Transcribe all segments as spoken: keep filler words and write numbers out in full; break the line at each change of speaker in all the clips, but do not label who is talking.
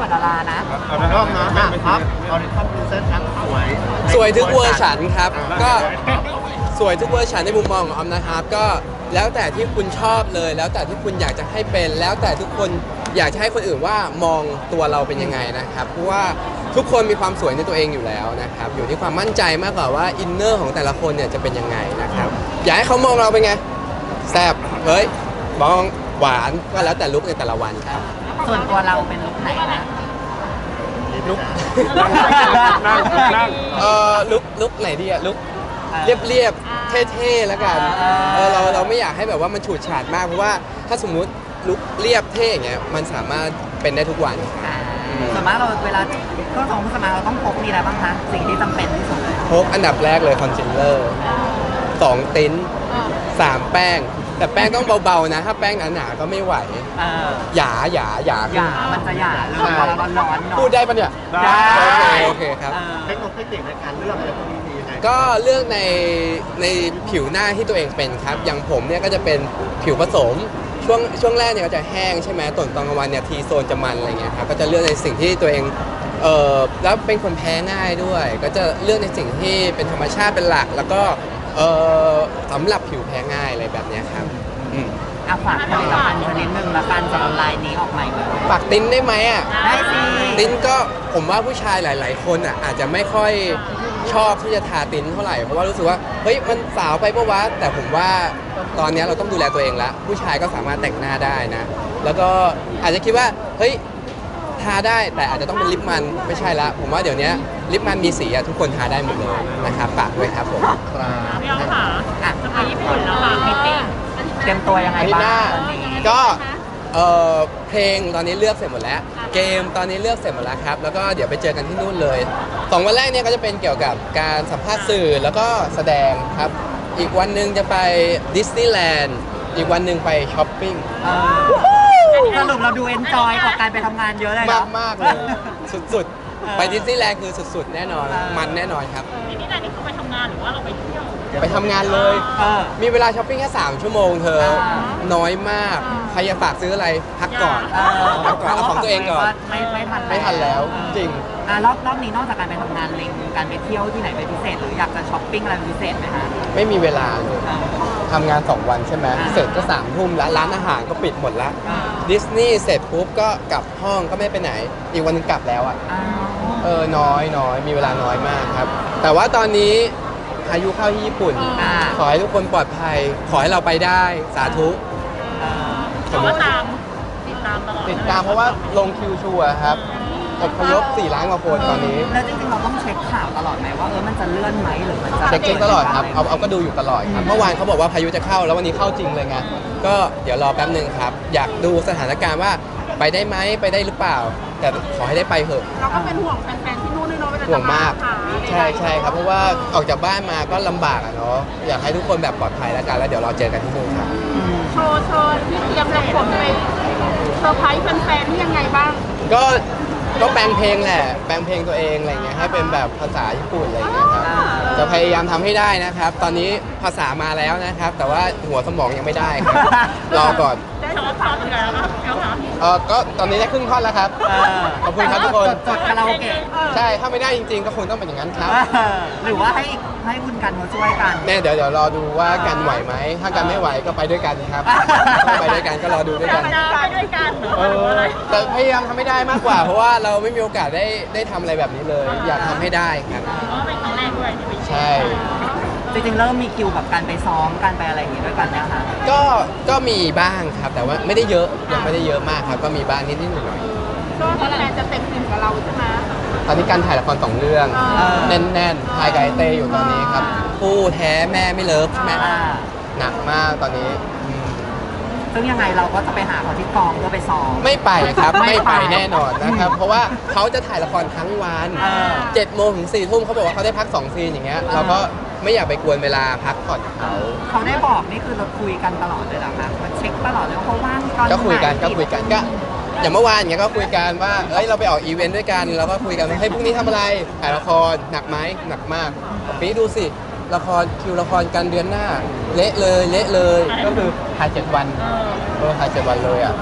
ดารานะ
เอาไปรอบนะครับออริจินอลพรินเซสครับสวย
สวยทุกเวอร์ชันครับก็สวยทุกเวอร์ชันในมุมมองของออมนะครับก็แล้วแต่ที่คุณชอบเลย แล้วแต่ที่คุณอยากจะให้เป็น แล้วแต่ทุกคนอยากจะให้คนอื่นว่ามองตัวเราเป็นยังไงนะครับเพราะว่าทุกคนมีความสวยในตัวเองอยู่แล้วนะครับอยู่ที่ความมั่นใจมากกว่าว่าอินเนอร์ของแต่ละคนเนี่ยจะเป็นยังไงนะครับอยากให้เขามองเราเป็นไงแซ่บเฮ้ยมองหวานก็แล้วแต่ลุคในแต่ละวันครับ
ส่วนตัวเราเป็นลุคไหนนะ
ลุค
นั่งนั่ง
เอ่อลุคลุคไหนดีอะลุคเรียบเรียบเท่ๆแล้วกันเออเราเราไม่อยากให้แบบว่ามันฉูดฉาดมากเพราะว่าถ้าสมมุติลุคเรียบเท่อย่างเงี้ยมันสามารถเป็นได้ทุกวัน
ส่วนมากเราเวลาเครื่องทรงเครื่องสำอางเราต้องพกมีอะไรบ้างคะสิ่งที่จำเป็นที่สุดเลย
พกอันดับแรกเลยคอนซีลเลอร์สองติ้นสามแป้งแต่แป้งต้องเบาๆนะถ้าแป้งหนาๆก็ไม่ไหวหยาหยาหยา
หยามันจะหยาเลยเวลาร้อนๆ
พูดได้ปะเนี่ยได้โอเคครับ
เทคนิคในการเลือกอะไรพวกนี้มียังไง
ก็เลือกในในผิวหน้าที่ตัวเองเป็นครับอย่างผมเนี่ยก็จะเป็นผิวผสมช่วงช่วงแรกเนี่ยก็จะแห้งใช่ไหมตอนตอนกลางวันเนี่ยทีโซนจะมันอะไรเงี้ยครับก็จะเลือกในสิ่งที่ตัวเองเออแล้วเป็นคนแพ้ง่ายด้วยก็จะเลือกในสิ่งที่เป็นธรรมชาติเป็นหลักแล้วก็เออสำหรับผิวแพ้ง่ายอะไรแบบนี้ครับอืม
อ่ะฝากผลิตภัณฑ์ชนิดหนึ่งละกันสำหรับลายนี้ออกใหม่เลย
ฝากติ้นได้ไหมอ่ะ
ได้สิ
ติ้นก็ผมว่าผู้ชายหลายๆคนอ่ะอาจจะไม่ค่อยชอบที่จะทาติ้นเท่าไหร่เพราะว่ารู้สึกว่าเฮ้ยมันสาวไปปะวะแต่ผมว่าตอนนี้เราต้องดูแลตัวเองแล้วผู้ชายก็สามารถแต่งหน้าได้นะแล้วก็อาจจะคิดว่าเฮ้ยทาได้แต่อาจจะต้องเป็นลิปมันไม่ใช่ละผมว่าเดี๋ยวนี้ลิปมันมีสีอะทุกคนทาได้หมดเลยนะครับฝากด้วยครับผม
พี่อ้อมค่ะจะไปญี่ปุ่นแล้วค่ะมิตติ้ง
เตรียมตัวยังไงบ้าง
ก็เออเพลงตอนนี้เลือกเสร็จหมดแล้วเกมตอนนี้เลือกเสร็จหมดแล้วครับแล้วก็เดี๋ยวไปเจอกันที่นู่นเลยสองวันแรกเนี่ยก็จะเป็นเกี่ยวกับการสัมภาษณ์สื่อแล้วก็แสดงครับอีกวันหนึ่งจะไปดิสนีย์แลนด์อีกวันหนึ่งไปช้อปปิ้ง
สรุปเราดูเอนจอยกับการไปทำงานเยอะเลย
มากมากเลยสุดๆไปดิสนีย์แลนด์คือสุดๆแน่นอนมันแน่นอนครับ
ดิสนีย์แลนด์นี่คือไปทำงานหรือว่าเราไปเที่ยว
ไปทำงานเลยมีเวลาช้อปปิ้งแค่สามชั่วโมงเธอน้อยมากใครอยากฝากซื้ออะไรพักก่อนพักก่อนเอาของตัวเองก่อน
ไม่ไม่ทัน
ไม่ทันแล้วจริง
รอบรอบนี้นอกจากการไปทำงานเล็งการไปเที่ยวที่ไหนเป็นพิเศษหรืออยากจะช้อปปิ้งอะไรเป็นพิเศษไหมคะ
ไม่มีเวลาเลยทำงานสองวันใช่ไหมเสร็จก็สามทุ่มแล้วร้านอาหารก็ปิดหมดแล้วดิสนีย์เสร็จปุ๊บก็กลับห้องก็ไม่ไปไหนอีกวันนึงกลับแล้วอ่ะเออน้อยน้อยมีเวลาน้อยมากครับแต่ว่าตอนนี้พายุเข้าที่ญี่ปุ่นขอให้ทุกคนปลอดภัยขอให้เราไปได้สาธุ
แต่ว่าตามติดตามตลอด
ติดตามเพราะว่าลงคิวชัวร์ครับอพยพสี่ล้านกว่าคนตอนนี้
แล้วจริงๆเราต้องเช็คข่าวตลอดไหมว่าเออมันจะเลื่อนไหมหรือมันจะ
เช็คตลอดครับเอาเอาก็ดูอยู่ตลอดครับเมื่อวานเขาบอกว่าพายุจะเข้าแล้ววันนี้เข้าจริงเลยไงก็เดี๋ยวรอแป๊บนึงครับอยากดูสถานการณ์ว่าไปได้ไหมไปได้หรือเปล่าแต่ขอให้ได้ไปเถอะ
เราก็เป็นห่วงแฟนๆที่นู่นด้วยเนาะ
ห่วงมากใช่ใช่ครับเพราะว่าออกจากบ้านมาก็ลำบากอะเนาะอยากให้ทุกคนแบบปลอดภัยแล้วกันแล้วเดี๋ยวเราเจอกันที่นู่นครับ
โชว์โชว์ที่เตรียมจะขนไปเซอร์ไพรส์แฟนๆที่ยังไงบ้าง
ก็ก็แปลงเพลงแหละแปลงเพลงตัวเองอะไรเงี้ยให้เป็นแบบภาษาญี่ปุ่นอะไรเงี้ยครับจะพยายามทำให้ได้นะครับตอนนี้ภาษามาแล้วนะครับแต่ว่าหัวสมองยังไม่ได้ครับรอก่อน
ได้ทำท่อนกันแล้วครับ
เออก็ตอนนี้ได้ครึ่งท่อนแล้วครับขอบคุณครับทุกคน
จดคาราโอเกะ
ใช่ถ้าไม่ได้จริงๆก็คงต้องเป็นอย่างนั้นครับ
หรือว่าให้ให้คุณกันมาช่วยกัน
แน่เดี๋ยวเดี๋ยวรอดูว่ากันไหวไหมถ้ากันไม่ไหวก็ไปด้วยกันครับไปด้วยกันก็รอดูด้วยกัน
ไปด้วยกัน
เออแต่พยายามทำให้ได้มากกว่าเพราะว่าเราไม่มีโอกาสได้ได้ทำอะไรแบบนี้เลยอยากทำให้ได้ครับ
เป็นครั้งแรกด้วย
ใช่
จริงๆเริ่มมีคิวแบบการไปซ้อมการไปอะไรอย่างงี้ด้วยกันนะคะ
ก็ก็มีบ้างครับแต่ว่าไม่ได้เยอะยังไม่ได้เยอะมากครับก็มีบ้างนิดนิดหน่อยหน่อย
ช่วงแรกจะเต็มอิ่มกับเราใช่ไหม
ตอนนี้การถ่ายละครสองเรื่องแน่นๆถ่ายกับไอเต้อยู่ตอนนี้ครับผู้แท้แม่ไม่เลิฟแม่หนักมากตอนนี้
ซึ่งยังไงเราก็จะไปหาเขาที่กองเพื่อไปซ้อม
ไม่ไปครับไม่ไปแน่นอนนะครับเพราะว่าเขาจะถ่ายละครทั้งวันเจ็ดโมงถึงสี่ทุ่มเขาบอกว่าเขาได้พักสองซีนอย่างเงี้ยเราก็ไม่อยากไปกวนเวลาพักผ่อนเขา
เขาได้บอกนี่คือเราคุยกันตลอดเลยนะคะมันเช็คตลอดเลยว่าเขาว่างตอนไหน
ก็คุยกันก็คุยกันก็อย่างเมื่อวานอย่างเงี้ยก็คุยกันว่าเอ้ยเราไปออกอีเวนต์ด้วยกันแล้วก็คุยกันว่าเฮ้ยพรุ่งนี้ทำอะไรถ่ายละครหนักไหมหนักมากปีนี้ดูสิละครคิวละครกันเดือนหน้าเละเลยเละเลยก็คือถ่ายเจ็ดวันเออถ่ายเจ็ดวันเลยอ่ะ
ไป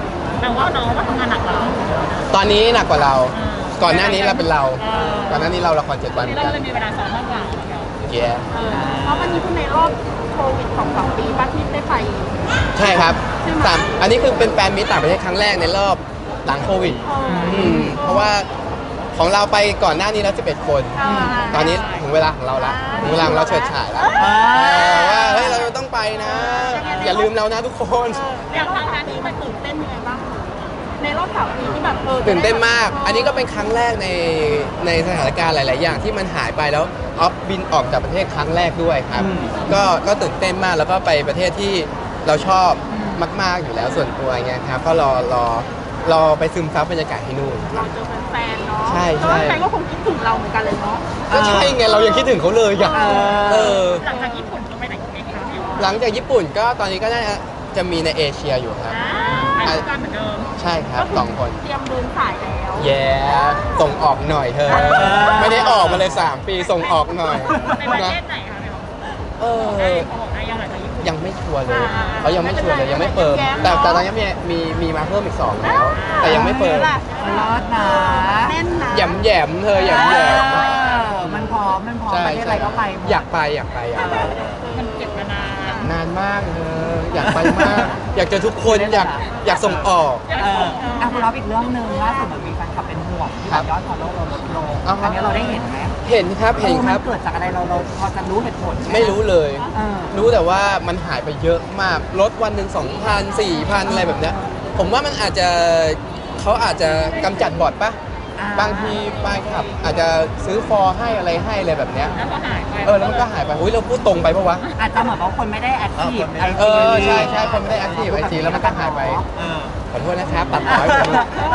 แต่ว่าน้องว่าทำงานหนักกว่าเรา
ตอนนี้หนักกว่าเรา ก่อนหน้านี้เราเป็นเรา ก่อนหน้านี้เราละครเจ็ดวันเหมื
เรา
อนกัน
เลยมีเวลาซ้อมมากกว่า
เย้
เพราะวันนี้คือในรอบโควิดของสองปีป้าที่ได้ไป
ใช่ครับสามอันนี้คือเป็นแฟนมิตรต่างประเทศครั้งแรกในรอบหลังโควิดอืมเพราะว่าของเราไปก่อนหน้านี้แล้วสิบเอ็ดคน ตอนนี้ถึงเวลาของเราละถึงเวลาของเราเฉิดฉายแล้วเออว่าเฮ้ยเราต้องไปนะ อย่าลืมเรานะทุกคน
อย่างครั้งนี้มันตื่นเต้นยังไงบ้างในรอบสามปีที่แบบเออ
ตื่นเต้นมาก อันนี้ก็เป็นครั้งแรกในในสถานการณ์หลาย ๆ อย่างที่มันหายไปแล้วออฟบินออกจากประเทศครั้งแรกด้วยครับ ก็ก็ตื่นเต้นมากแล้วก็ไปประเทศที่เราชอบมาก ๆ อยู่แล้วส่วนตัวเงี้ยครับก็รอรอรอไปซึมซับบรรยากาศที่นู่น
เราเจอแฟนๆเนาะ
ใช่ใช่
แฟนก็คงคิดถึงเราเหมือนกันเลยเนาะ
ก็ใช่ไงเรายังคิดถึงเขาเลยอ่ะเออ
หลังจากญี่ปุ่นจะไปไหนอีกไหมคะ
หลังจากญี่ปุ่นก็ตอนนี้ก็น่าจะมีในเอเชียอยู่ครับ
อ่าไปด้วยกันเหมือนเดิม
ใช่ครับสองคน
เตรียมเดินสายแล้ว
แย่ส่งออกหน่อยเธอ ไม่ได้ออกมาเลยสามปีส่งออกหน่อย
ในประ
นะ
เทศไหนคะเนี่ย
เออ
เขาบอกได้ยังไงจากญี่ปุ่น
ยังไม่ชัวร์เลย
อ่า
เขายังไม่ชัวร์เลยยังไม่เปิด
แย้มๆ
แต่
เนอะ
แต่ตอนนี้มีมีมีมาเพิ่มอีกสองแล้ว แต่ยังไม่เปิด
รอดนะ
แน่นนะ
แหยมแหยมๆเธอแหยมแหยม
เออมันพร้อมมันพร้อม
ใช่
ประเทศอะไรก็ไปหมด
อยากไปอยากไปอยากไป
มันเก็บมานาน
นานมากเธออยากไปมาก อยากเจอทุกคนอยากอยากส่งออก
เอออ่ะคุณรับอีกเรื่องหนึ่งล่าสุดเหมือนมีแฟนคลับเป็นห่วงที่
ครับ
ยอดฟอลโล่เราลดลง
อ่าฮะ
อันนี้เราได้เห็นไหม
เห็นครับเห็นครับ
มันเกิดจากอะไรเราเราพอจะรู้เหตุผลห
ไม่รู้เลย
เออ
รู้แต่ว่ามันหายไปเยอะมากลดวันหนึ่งสองพันสี่พันอะไรแบบเนี้ยผมว่ามันอาจจะเขาอาจจะกำจัดบอทปะ
อ่า
บางทีไปขับ อาจจะซื้อฟอร์ให้อะไรให้อะไรแบบเนี้ย
แล้วก็หายไป
เออแล้วมันก็หายไปอุ้ยเราพูดตรงไปปะวะ
อาจจะเหมือนว่าคนไม่ได้แอคทีฟไอ
เอ
จี
อใช่ใช่คนไม่ได้ active ไอจีแล้วมันก็หายไป
เออ
ขอโทษนะครับตัดต่อให้ผม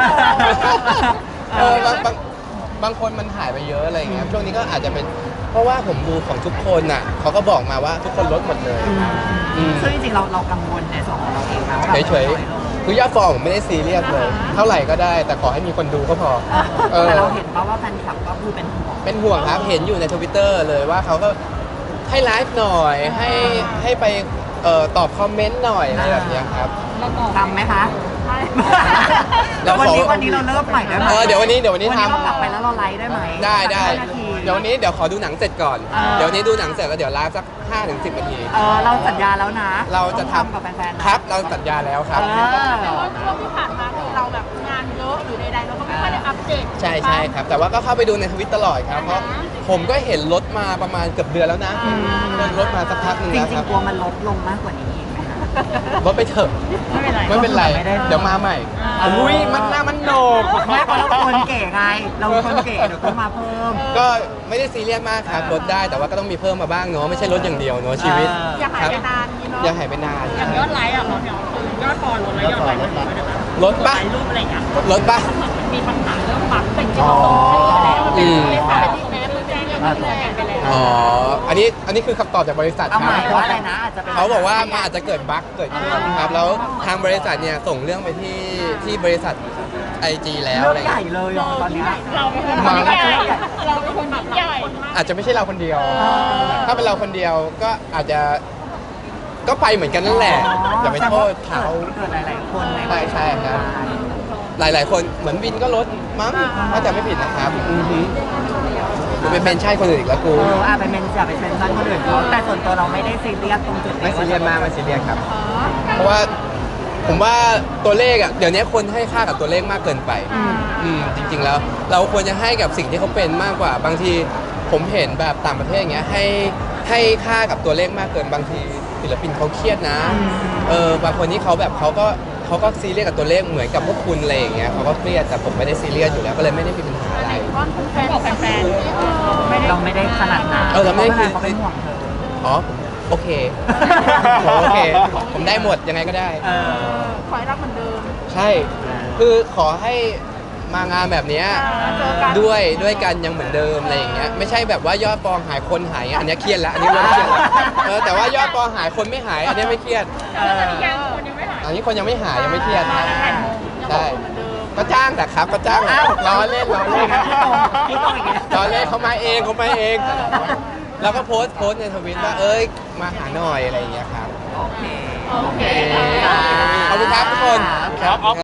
เออบางบางบางคนมันหายไปเยอะอะไรอย่างเงี้ยช่วงนี้ก็อาจจะเป็นเพราะว่าผมดูของทุกคนน่ะเขาก็บอกมาว่าทุกคนลดหมดเลย อืม
ซึ่งจริงๆเราเรากังวลในส่วนของเราเองนะว่าแบบ
เฉยๆคือยอดฟอลผมไม่ได้ซีเรียสเลย เท่าไหร่ก็ได้ แต่ขอให้มีคนดูก็พอ เออ
แต่เราเห็นป่าว่าแฟนคลับก็คือเป็นห่วง
เป็นห่วงครับ เห็นอยู่ในทวิตเตอร์เลยว่าเขาก็ให้ไลฟ์หน่อย ให้ให้ไปเอ่อตอบคอมเมนต์หน่อยอะไรแบบเนี้ยครับ
เราต่อ
ทำไหมคะ
ใช่
เราขอ
วันนี้วันนี้เราเริ่มใหม่ได้ไหม
เออเดี๋ยววันนี้เดี๋ยววันนี้
วันนี้
ทำ
เรากลับไปแล้วเราไลฟ์ได้ไหม
ได้ได้
สักห้านาที
เดี๋ยววันนี้เดี๋ยวขอดูหนังเสร็จก่อน
เออ
เดี๋ยววันนี้ดูหนังเสร็จแล้วเดี๋ยวไลฟ์สักห้าถึงสิบนาที
เออเราสัญญาแล้วนะ
เราจะ
ต้อง
ทำ
กับแฟนๆนะครับ
เราสัญญาแล้วครับ
เออ
แต่ว่าช่วงที่ผ่านมาคือเราแบบงานเยอะหรือใดๆเราก็ไม่ค่อยได้อัปเดต
ใช่ใช่ครับ แต่ว่าก็เข้าไปดูในทวิตตลอดครับ เพราะผมก็เห็นลดมาประมาณเกือบเดือนแล้วนะลดมาสักพักหนึง
จ
แล้ว
ริ
ค
ง
รับ
ๆกลัวมันลดลงมากกว่านี้อีกไหมคะ
ลดไปเถอะ
ไม่เป็นไร
ไม่เป็นไร
ไม่ได้
เดี๋ยวมาใหม่
อ่า
อุ้ยมันหน้ามันโหนก
ไม่เพราะเราคนเก๋ไง เราคนเก๋เดี๋ยวก็มาเพิ่ม
ก็ไม่ได้ซีเรียสมากครับลดได้แต่ว่าก็ต้องมีเพิ่มมาบ้างเนาะไม่ใช่ลดอย่างเดียวเนาะชีวิต
เออ
อย่าหายไปนานนี้เนาะ
อย่าหายไปนาน
อย่างยอดไลค์อ่ะเราเนี่ยคือยอดฟอลลดแล้วยอดไลค์ลดด้วยนะคะ
ลดปะ
ถ่ายรูปอะไรอย่างเงี้ย
ลดปะ
มันมีปัญหาเรื่องบัตรเป็นจริงๆต้องใช้แล้ว
อืม
ไม่ผ่านที่แม้มันแจ้งยังไม่แจ้งไปแล้ว
อ๋ออันนี้อันนี้คือคำตอบจากบริษัท
เอา
ค
ให
รั
ม่
บ
ว่าอะไรนะอาจจะเป็น
เขาบอกว่ามันอาจจะเกิดบั๊กเกิดขึ้นครับแล้วทางบริษัทเนี่ยส่งเรื่องไปที่ที่บริษัท ไอ จี แล้ว
เรื่
อะไร
องใหญ่
เงี้ย
เลยเหรอตอนเนี้ย
เราเป็นคนยิ่งใหญ่เราเป็นคนยิ่งใหญ่
อาจจะไม่ใช่เราคนเดียว ถ้าเป็นเราคนเดียวก็อาจจะก็ไปเหมือนกันนั่นแหละอย่าไปโทษเขา
เกิดหลายๆคนใน
ใช่ใช่ครับ หลาย ๆ คนเหมือนวินก็ลดมั้งถ้าจะไม่ผิดนะครับอือฮึกูไปเป็นใช่คนอื่นอีกแล้วกู
เอออ่ะไปเมนอย่าไปเซนซันคนอื่นเขาแต่ส่วนตัวเราไม่ได้ซีเรียสตรงจุดนี้
ไม่ซีเรียสมากไม่ซีเรียสครับ เพราะว่าผมว่าตัวเลขอ่ะเดี๋ยวนี้คนให้ค่ากับตัวเลขมากเกินไปอืมจริง ๆ แล้ว เราควรจะให้กับสิ่งที่เขาเป็นมากกว่าบางทีผมเห็นแบบต่างประเทศอย่างเงี้ยให้ให้ค่ากับตัวเลขมากเกินบางทีศิลปินเขาเครียดนะเออบางคนที่เขาแบบเขาก็เขาก็ซีเรียสกับตัวเลขเหมือนกับพวกคุณอะไรอย่างเงี้ยเขาก็เครียดแต่ผมไม่ได้ซีเรียสอยู่แล้วก็เลยไม่ได้มีปัญหาอะไร
ก้อนแฟนบอกแฟนๆไม่ได้
เราไม่ได้ขนาดนั้น
เออเราไม่ได้
เขาเป็นห่วงเธอ
อ๋อผมโอเคผมโอเค ผมได้หมดยังไงก็ได้
เออ
ขอให้รักเหมือนเดิม
ใช่ คือขอให้มางานแบบเนี้ย
เจอกัน
ด้วยด้วยกันยังเหมือนเดิมอะไรอย่างเงี้ยไม่ใช่แบบว่ายอดฟองหายคนหายอันเนี้ยเครียดแล้วอันนี้เริ่มเครียดแล้วเออแต่ว่ายอดฟองหายคนไม่หายอันเนี้ยไม่เครียด
แล้วตอนนี้ยังคนยังไม่หาย
อันนี้คนยังไม่หายยังไม่เครียดครับ
ยัง
ใช่
บอกเหมือนเดิม
ก็จ้างแต่ครับก็จ้างล้อเล่นล้อเล่น
พี่ตรงพี่ตรงอย่างเงี้ย
ล้อเล่นเขามาเองเขามาเองแล้วก็โพสต์โพสต์ในทวิตว่าเอ้ยมาหาหน่อยอะไรอย่างเงี้ยครับ
โอเค
โอเค
ขอบคุณครับทุกคน
ครับ